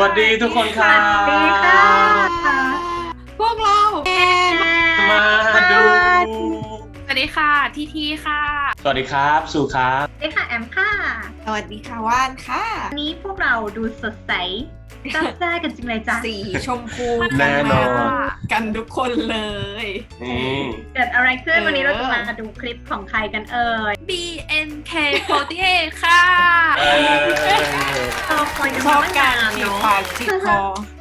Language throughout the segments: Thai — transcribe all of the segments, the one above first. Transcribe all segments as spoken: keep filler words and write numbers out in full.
วัสดีทุกคนครับสวัสดีค่ะพวกเราเอมาดูสวัสดีค่ะทีทีค่ะสวัสดีครับสุครับสวัสดีค่ะแอมค่ะสวัสดีค่ะว่านค่ะวันนี้พวกเราดูสดใสจ้าจ้ากันจริงเลยจ้ะสีชมพูแน่นอนกันทุกคนเลยนี่เกิดอะไรขึ้นเออวันนี้เราจะมาดูคลิปของใครกันเอ่ยบี เอ็น เค โฟร์ตี้เอท ค่ะเออเราคอยกันชอบมาการนานจีบเนาะปากจีบคอ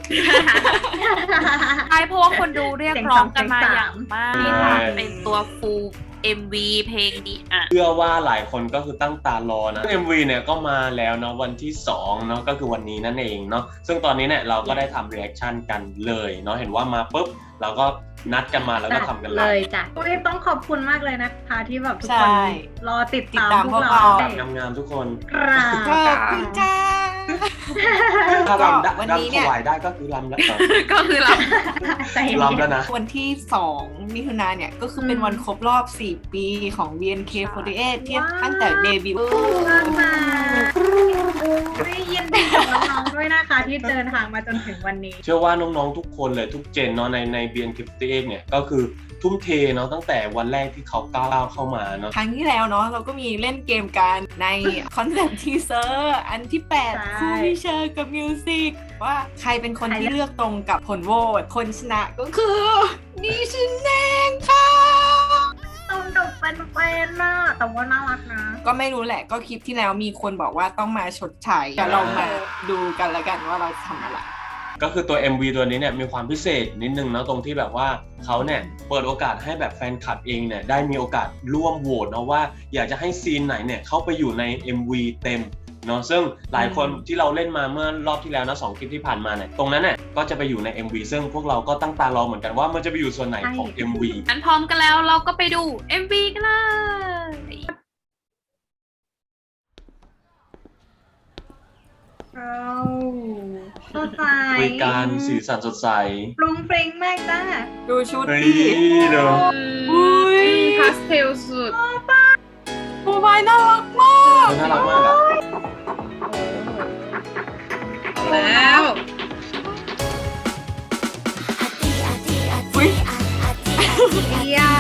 ใช่เพราะว่าคนดูเรียกร้องกันมาอย่างมากเสีที่ยงสองทำเป็นตัวฟูล เอ็ม วี เพลงดีอ่ะเชื่อว่าหลายคนก็คือตั้งตารอนะ เอ็ม วี เนี่ยก็มาแล้วเนาะวันที่สองเนาะก็คือวันนี้นั่นเองเนาะซึ่งตอนนี้เนี่ยเราก็ได้ทำรีแอคชั่นกันเลยเนาะเห็นว่ามาปุ๊บเราก็นัดกันมาแล้วก็ทำกันเลเลยยจ้ะอุ้ยต้องขอบคุณมากเลยนะคะที่แบบทุกใช่คนรอติดตามติดตามพวกพวกเราเรางามๆทุกคนครับขอบคุณจ้าถ้ารำได้วันนี้รำถเนี่ยวายได้ก็คือรำแล้วก็คือเราใจเย็นรำแล้วนะวันที่สองมิถุนายนเนี่ยก็คือเป็นวันครบรอบสี่ปีของ บี เอ็น เค โฟร์ตี้เอท ที่ตั้งแต่เดบิวต์มากมากอุ้ยยินดีกับน้องๆด้วยนะคะที่เดินทางมาจนถึงวันนี้เชื่อว่าน้องๆทุกคนเลยทุกเจนเนาะในใน บี เอ็น เค โฟร์ตี้เอท เนี่ยก็คือทุ่มเทเนาะตั้งแต่วันแรกที่เขาก้าวเข้ามาเนาะครั้งที่แล้วเนาะเราก็มีเล่นเกมกันในคอนเซ็ปต์ทีเซอร์อันที่แปดใช่คู่พิเชอร์กับมิวสิกว่าใครเป็นคนที่เลือกตรงกับผลโหวตคนชนะก็คือนิชินเองค่ะตรงกับแฟนๆน่ะแต่ว่าน่ารักนะก็ไม่รู้แหละก็คลิปที่แล้วมีคนบอกว่าต้องมาชดใช้เดี๋ยวเรามาดูกันแล้วกันว่าเราทำอะไรก็คือตัว เอ็ม วี ตัวนี้เนี่ยมีความพิเศษนิดนึงเนาะตรงที่แบบว่าเขาเนี่ยเปิดโอกาสให้แบบแฟนคลับเองเนี่ยได้มีโอกาสร่วมโหวตเนาะว่าอยากจะให้ซีนไหนเนี่ยเข้าไปอยู่ใน เอ็ม วี เต็มเนาะซึ่งหลายคนที่เราเล่นมาเมื่อรอบที่แล้วนะสองคลิปที่ผ่านมาเนี่ยตรงนั้นเนี่ยก็จะไปอยู่ใน เอ็ม วี ซึ่งพวกเราก็ตั้งตารอเหมือนกันว่ามันจะไปอยู่ส่วนไหนของ เอ็ม วีงั้นพร้อมกันแล้วเราก็ไปดู เอ็ม วี กันเลยเราสดใสคุยการสีสันสดใสปรุงปริงมากจ้าดูชุดเฮ้ยดิเดี๋ยวอุ้ยพาสเทลสุดโมบายน่ารักมากน่ารักมากอะแล้วอุ้ยเดีย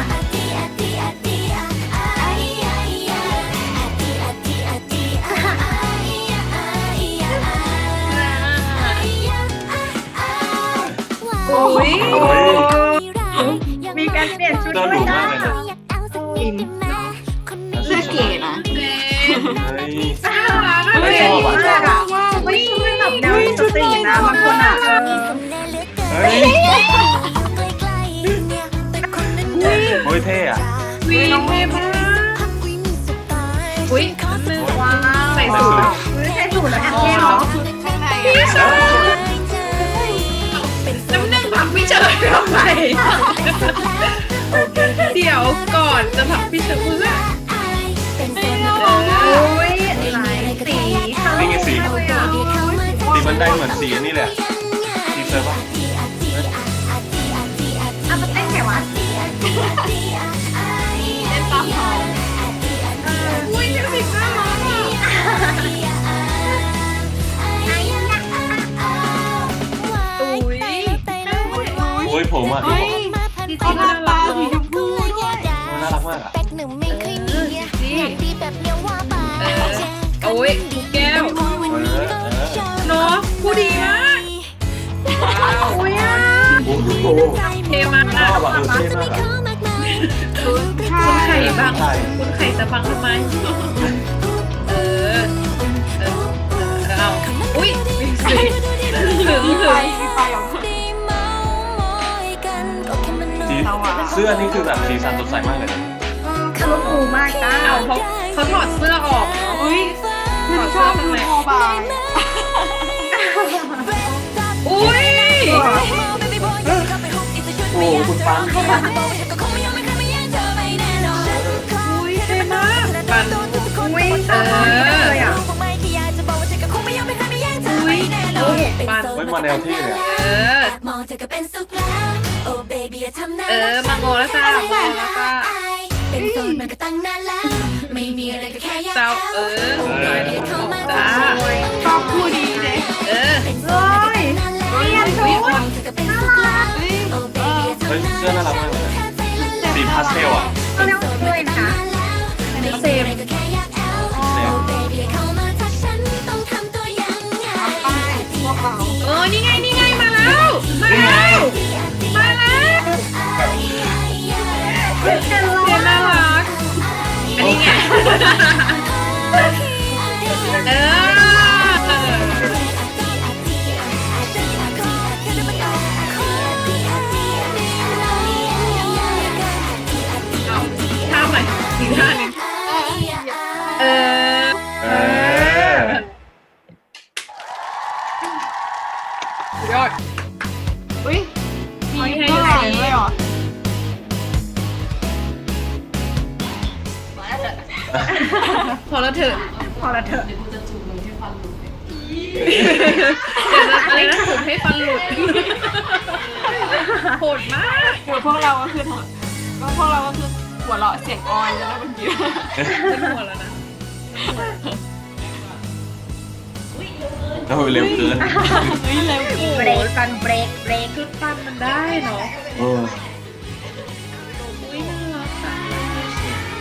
โอ้ยโอ้ยมีการเปลี่ยนชุดน่าด้วยดูนะมากเลยนะอินเสื้อเก๋นะเจ๊เฮ้ยน่ารักเฮ้ยชอบมากอ่ะไม่ใช่แบบแนวสตรีทนะบางคนอ่ะเออเฮ้ยโอ้ยเท่อะวีน้องเมย์มากอุ้ยนึงว้าวใส่สูทไม่ใช่สูตรแล้วแอบเท่เนาะชุดข้างในพี่อะชอบน้ำหนึ่งผักพี่เฉยทำไมเดี๋ยวก่อนจะผักพี่เฉยเพื่อโอ้ยหลายสีนี่ไงสีเลยอ่ะสีมันได้เหมือนสีอันนี่เลยอะทีเซอร์ป่ะอ่ะมันเต้นไงวะเล่นตามเขาอุ้ยเดี๋ยวสิน่ารักอ่ะอุ้ยโอ้ยผมอ่ะเฮ้ยดีเขาจริงทาตาสีชมพูด้วยน่ารักมากอ่ะเออโอ้ยลูกแก้วเออเออเนาะผู้ดีมากว้าวอุ้ยอ่ะโอ้โหเทมากชอบอ่ะเออเท่มากอ่ะคุณไข่บังใช่คุณไข่จะบังทำไมเออเออเออเอาอุ้ยมีสิถึงมีไฟถึงมีไฟของเธอสีเสื้อนี่คือแบบสีสันสดใสมากเลยนะคาร์บูมากจ้าเอาเขาเขาถอดเสื้อออกเนาะอุ้ยฉันชอบดูโมบายอุ้ยโอ้คุณปังอุ้ยเท่มากปันอุ้ยสวยเลยอ่ะอุ้ยโอ้โหปันเฮ้ยมาแนวเท่เลยอะเออเออมาโงแล้วจ้ามาโงแล้วจ้าเป็นโสดมันก็ตั้งนานแล้วไม่มีอะไรก็แค่อยากเจ้าเออเออเข้ามาจ้าชอบคู่ดีเลยเออเฮ้ยเรียนชุดน่ารักเฮ้ยเออเฮ้ยเสื้อน่ารักมากเลยสีพาสเทลอ่ะเขาเรียกว่าด้วยนะคะเซมก็แค่อยากแอลเซมเบบี้เข้ามาทักฉันต้องทำตัวยังไงพวกเราเออนี่ไงนี่ไงมาแล้วมาแล้วมาแล้วเป็นกันเรียนน่ารักอันนี้ไงเออเอาท่าใหม่อีกท่าหนึงเออเออสุดยอดอุ้ยมีให้เท่าไหร่ให้เลยเหรอพอแล้วเถอะพอละเถอะเดี๋ยวจะอะไรนะถูกให้ฟันหลุดโหดมากคือพวกเราก็คือก็พวกเราก็คือหัวเราะเสียงออนแล้วนะเมื่อกี้เป็นหัวแล้วนะโอ้ยเร็วเกินเฮ้ยเร็วเบรกกันเบรกเบรกคือฟันมันได้เนาะเอออุ้ยน่ารักจัง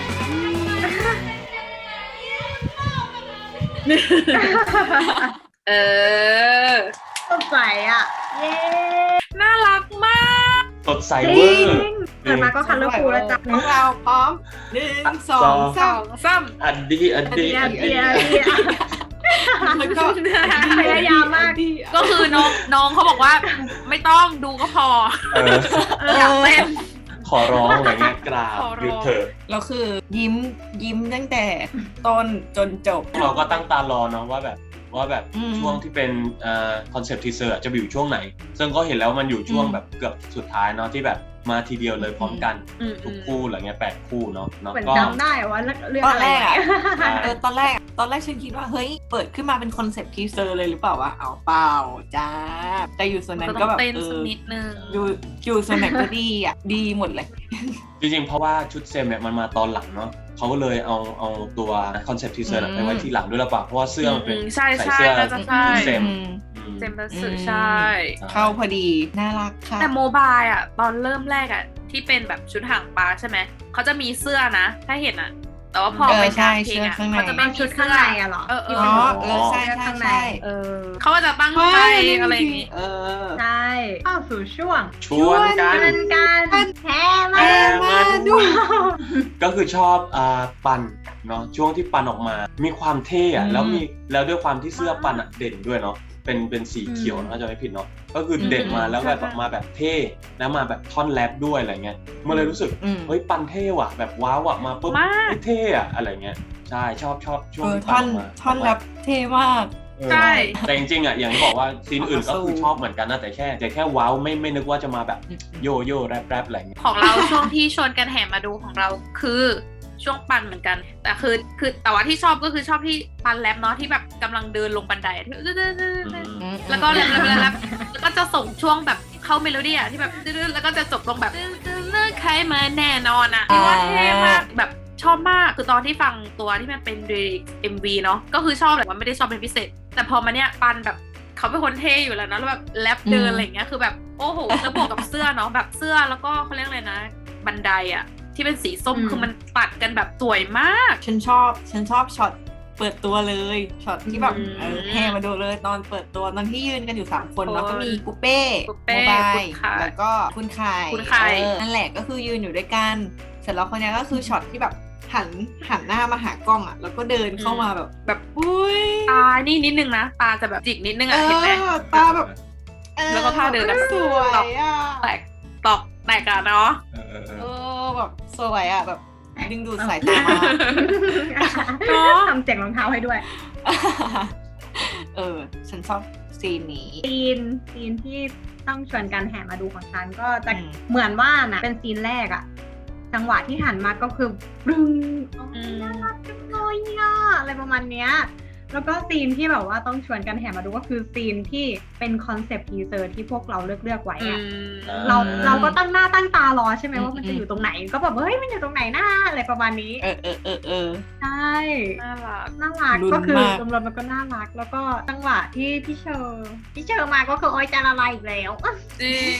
เออสดใสอ่ะ เย้น่ารักมากสดใสจเวริอง ร์เกิดมาก็คันเลอร์ฟูลแล้วจ้ะพวกเราพร้อมหนึ่งสองสามซ้อันดีอันดีเดียอันเดีดียเดียแล้วก็พยายามมากำก็คือน้องน้องเขาบอกว่าไม่ต้องดูก็พอเอออยากเต้นขอร้องอะไรเงี้ยกราบขอร้องหยุดเถอะแล้วคือยิ้มยิ้มตั้งแต่ต้นจนจบเราก็ตั้งตารอเนาะว่าแบบว่าแบบอืมช่วงที่เป็นเอ่อคอนเซปต์ทีเซอร์จะไปอยู่ช่วงไหน ซึ่งก็เห็นแล้วมันอยู่ช่วงอืมแบบเกือบสุดท้ายเนาะที่แบบมาทีเดียวเลยพร้อมกันอืมทุกคู่อะไรเงี้ยแปดคู่เนาะเนาะเหมือนก็จำได้ว่าเรื่องตอนอะไรแรกอะใช่เออตอนแรกตอนแรกฉันคิดว่าเฮ้ยเปิดขึ้นมาเป็นคอนเซปต์ทีเซอร์เลยหรือเปล่าวะเอาเปล่าจ้าแต่อยู่ส่วนนั้นก็ก็ต้องแบบเต้นเอสักอนิดนึงอยู่อยู่ส่วนไหนก็ดีอ่ะดีหมดเลยจริงๆ เพราะว่าชุดเซมเนี่ยมันมาตอนหลังเนาะเขาก็เลยเอาเอาตัวคอนเซปต์ทีเซอร์อืมไปไว้ทีหลังด้วยหรือเปล่าเพราะว่าเสื้อมันเป็นอืมใช่ใส่ใช่เสื้อน่าจะใช่ชุดเซมอืมอืมเจมส์สื่ออืมใช่เข้าพอดีน่ารักค่ะแต่โมบายอ่ะ ตอนเริ่มแรกอ่ะ ที่เป็นแบบชุดหางปลาใช่ไหม เขาจะมีเสื้อนะ ถ้าเห็นอ่ะ แต่ว่าพอเออไปใช่การเพลงอ่ะเสื้อข้างในเขาจะไม่เอามีชุดเสื้ข้างอในอะเหรอเออเอออ๋อเออใช่ใช่ใช่เออเขาก็จะตั้งใจอะไรอย่างงี้เออใช่เข้าสู่ช่วงชวนกันเงินกันแพ้มาแพ้มาดูก็คือชอบอ่าปันเนาะช่วงที่ปันออกมา มีความเท่อะอืมแล้วมีแล้วด้วยความที่เสื้อปันอะเด่นด้วยเนาะเป็นเป็นสีเขียวนะจะไม่ผิดเนาะก็คือเด่นมาแล้วแบบออกมาแบบเท่แล้วมาแบบท่อนแรปด้วยอะไรเงี้ยมันเลยรู้สึกอืมเฮ้ยปันเท่ว่ะแบบว้าวอ่ะมาปุ๊บมากเฮ้ยเท่อะอะไรเงี้ยใช่ชอบชอบช่วเอง อที่ท่ปัอน นออกมาท่อนรับเท่มากเออใช่แต่จริงๆอ่ะอย่างที่บอกว่าซีนอื่นก็คือสู้ชอบเหมือนกันนะแต่แค่แต่แค่ว้าวไม่ไม่นึกว่าจะมาแบบโยโย่แรปแรปอะไรเงี้ยของเราช่วงที่ชวนกันแห่มาดูของเราคือช่วงปันเหมือนกัน แต่คือคือแต่ว่าที่ชอบก็คือชอบที่ปันแรปเนาะที่แบบกำลังเดินลงบันไดอะที่อืมแล้วก็แรปแรปแรปแรปแล้วก็จะส่งช่วงแบบเข้าเมโลดี้อะที่แบบแล้วก็จะจบลงแบบเลิกใครมาแน่นอนอะที่ว่าเท่มากแบบชอบมากคือตอนที่ฟังตัวที่มันเป็นดีเอ็มวีเนาะก็คือชอบเลยว่าไม่ได้ชอบเป็นพิเศษ แต่พอมาเนี้ยปันแบบเขาเป็นคนเท่อยู่แล้วนะแล้วแบบแรปเดินอะไรอย่างเงี้ยคือแบบโอ้โหแล้วบวกกับเสื้อเนาะแบบเสื้อแล้วก็เขาเรียกอะไรนะบันไดอะที่เป็นสีส้มอืมคือมันตัดกันแบบสวยมากฉันชอบฉันชอบช็อตเปิดตัวเลยช็อตที่แบบอืมเออแห่มาดูเลยตอนเปิดตัวตอนที่ยืนกันอยู่สามคนเนาะคนก็มีกูเป้กูเป้โมบายคุณไข่แล้วก็คุณไข่คุณไข่เออนั่นแหละก็คือยืนอยู่ด้วยกันเสร็จแล้วคนนี้ก็คือช็อตที่แบบหันหันหน้ามาหากล้องอ่ะแล้วก็เดินเข้ามาแบบแบบอุ้ยตานี่นิดนึงนะตาจะแบบจิกนิดนึงเออะเห็นไหมอตาแบบเออแล้วก็ท่าเดินแบบสวยอ่ะแตกตอกแตกอะเนาะเออเออเอเอออแบบสวยอ่ะแบบดึงดูดสายตามากเนาะทำเสียงรองเท้าให้ด้วยเออฉันชอบซีนนี้ซีนซีนที่ต้องชวนกันแห่มาดูของฉันก็จะอืมเหมือนว่านะเป็นซีนแรกอะจังหวะที่หันมาก็คือปรึงโอ้ยน่ารักจังเลยอะอะไรประมาณเนี้ยแล้วก็ซีนที่แบบว่าต้องชวนกันแห่มาดูก็คือซีนที่เป็นคอนเซปต์ทีเซอร์ที่พวกเราเลือกเลือกๆไว้อือะมเราเราก็ตั้งหน้าตั้งตารอใช่ไหมอืมว่ามันจะอยู่ตรงไหนก็แบบเฮ้ยมันอยู่ตรงไหนหน้าอะไรประมาณนี้เออเออเออเออใช่น่ารักน่ารักลุ้นก็คือมากรวมๆมันก็น่ารัก แล้วก็จังหวะที่พี่เชอร์พี่เชอร์มาก็คือโอ้ยจะละลายอีกแล้วจริง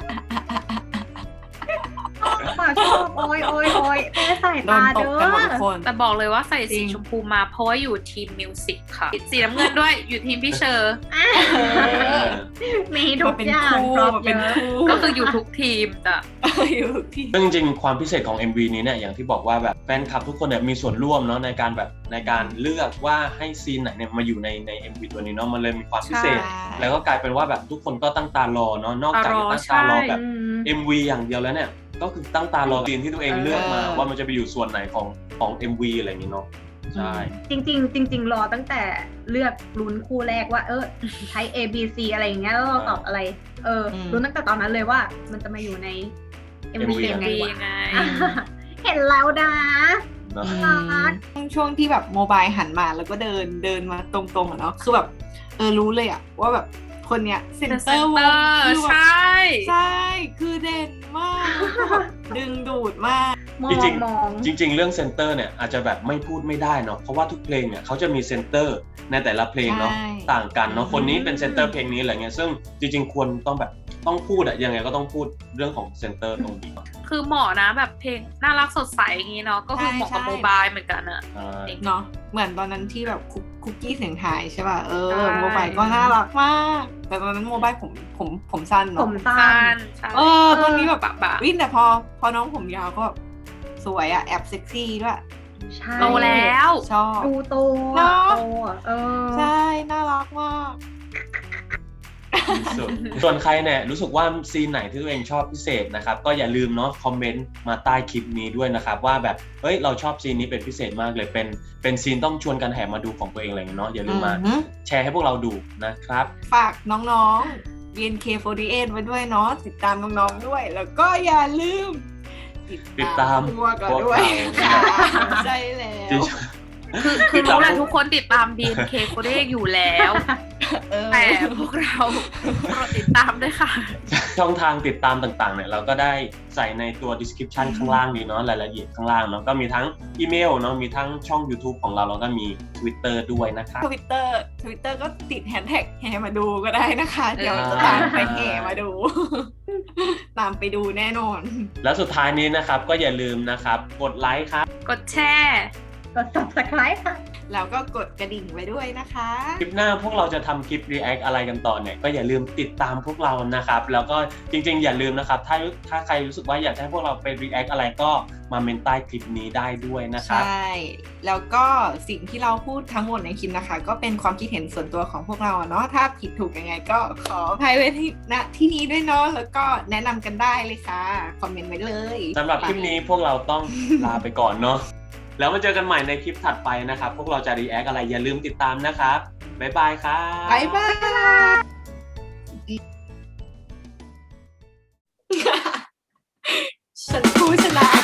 ฝากชอบโอ้ยโอ้ยโอ้ยแม่ใส่โดตานตเด้กกันหมดทุกอคนแต่บอกเลยว่าใส่จริสีงชมพูมาเพราะว่าอยู่ทีมมิวสิกค่ะ สีน้ำเงินด้วยอยู่ทีมพี่เชอร์เออมีทุมาก เป็นอย่างคู่ครบมาเยเป็นอะคู่ก็คืออยู่ทุกทีมจ้ะอยู่ทุกที่ซึ่งจริงๆความพิเศษของ เอ็ม วี นี้เนี่ยอย่างที่บอกว่าแบบแฟนคลับทุกคนเนี่ยมีส่วนร่วมเนาะในการแบบในการเลือกว่าให้ซีนไหนเนี่ยมาอยู่ในใน เอ็ม วี ตัวนี้เนาะมันเลยมีความพิเศษใช่แล้วก็กลายเป็นว่าแบบทุกคนก็ตั้งตารอเนาะนอกจากจะตั้งตารอแบบอืมเอ็ม วี อย่างเดียวแล้วเนี่ยก็คือตั้งตารอซีนที่ตัวเองเลือกมาเออว่ามันจะไปอยู่ส่วนไหนของของ เอ็ม วี อะไรอย่างงี้เนาะใช่จริงๆจริง ๆ รอตั้งแต่เลือกลุ้นคู่แรกว่า เออใช้ A B C อะไรอย่างเงี้ยแล้วเราตอบอะไร เอออมลุ้นตั้งแต่ตอนนั้นเลยว่ามันจะมาอยู่ใน เอ็ม วีเอ็ม วียังไงดีวะไงเห็นแล้วนะเนาะน่ารักช่วงที่แบบโมบายหันมาแล้วก็เดินเดินมาตรงๆอะเนาะคือแบบเออรู้เลยอะว่าแบบคนเนี้ยเซนเตอร์วงคือแบบใช่ใช่คือเด่นมากคือแบบดึงดูดมากมอจริงงมองจริง ๆ เรื่องเซนเตอร์เนี่ยอาจจะแบบไม่พูดไม่ได้เนาะเพราะว่าทุกเพลงเนี่ยเขาจะมีเซนเตอร์ในแต่ละเพลงเนาะใช่ต่างกันเนาะอืมคนนี้เป็นเซนเตอร์เพลงนี้อะไรเงี้ยซึ่งจริง ๆ ควรต้องแบบต้องพูดอะยังไงก็ต้องพูดเรื่องของเซนเตอร์ตรงนี้คือเหมาะนะแบบเพลงน่ารักสดใสอย่างงี้เนาะก็คือเหมาะกับใช่โมบายเหมือนกันอะใช่เนาะเหมือนตอนนั้นที่แบบคุกคุกกี้เสียงไทายใช่ป่ะเออใช่โมบายก็น่ารักมาก แต่ตอนนั้นโมบายผมผมผมสั้นผเนาะมสั้สั้นนใช่เออตอนนี้แบบปะปะวินแต่พอพอน้องผมยาวก็สวยอะแอบเซ็กซี่ด้วยใช่โตแล้วชอบดูโตเนอะอะโตอะเออใช่น่ารักมากส่วนส่วนใครเนี่ยรู้สึกว่าซีนไหนที่ตัวเองชอบพิเศษนะครับก็อย่าลืมเนาะคอมเมนต์มาใต้คลิปนี้ด้วยนะครับว่าแบบเฮ้ยเราชอบซีนนี้เป็นพิเศษมากเลยเป็นเป็นซีนต้องชวนกันแห่มาดูของตัวเองอะไรอย่างเงี้ยเนาะอย่าลืมมาอือหือแชร์ให้พวกเราดูนะครับฝากน้องๆ บี เอ็น เค โฟร์ตี้เอท ไว้ด้วยเนาะติดตามน้องๆด้วย แล้วก็อย่าลืมติดตามพวกเราด้วยพวกเราค่ะใช่แล้วจริงคือคือรู้แหละทุกคนติดตาม บี เอ็น เค โคเดกอยู่แล้วเออแต่พวกเราโปรดติดตามด้วยค่ะช่องทางติดตามต่างๆเนี่ยเราก็ได้ใส่ในตัว description ข้างล่างนี้เนาะรายละเอียดข้างล่างเนาะก็มีทั้งอีเมลเนาะมีทั้งช่อง YouTube ของเราแล้วก็มี Twitter ด้วยนะครับทวิตเตอร์ทวิตเตอร์ก็ติดแฮชแท็กแห่มาดูก็ได้นะคะเออเดี๋ยวจะตามไปแห่มาดู ตามไปดูแน่นอนแล้วสุดท้ายนี้นะครับก็อย่าลืมนะครับกดไลค์ครับกดแชร์กด subscribe ค่ะแล้วก็กดกระดิ่งไว้ด้วยนะคะคลิปหน้าพวกเราจะทำคลิป react อะไรกันต่อเนี่ยก็อย่าลืมติดตามพวกเรานะครับแล้วก็จริงๆอย่าลืมนะครับถ้าถ้าใครรู้สึกว่าอยากจะให้พวกเราไป react อะไรก็มาเมนใต้คลิปนี้ได้ด้วยนะครับใช่ แล้วก็สิ่งที่เราพูดทั้งหมดในคลิปนะคะ ก็เป็นความคิดเห็นส่วนตัวของพวกเราอะเนาะ ถ้าผิดถูกยังไงก็ขออภัยไว้ที่ณที่นี้ด้วยเนาะ แล้วก็แนะนำกันได้เลยค่ะ คอมเมนต์ไว้เลยสำหรับคลิปนี้พวกเราต้อง ลาไปก่อนเนาะแล้วมาเจอกันใหม่ในคลิปถัดไปนะครับพวกเราจะ react อะไรอย่าลืมติดตามนะครับบ๊ายบายครับบ๊ายบาย ฉันผู้ชนะ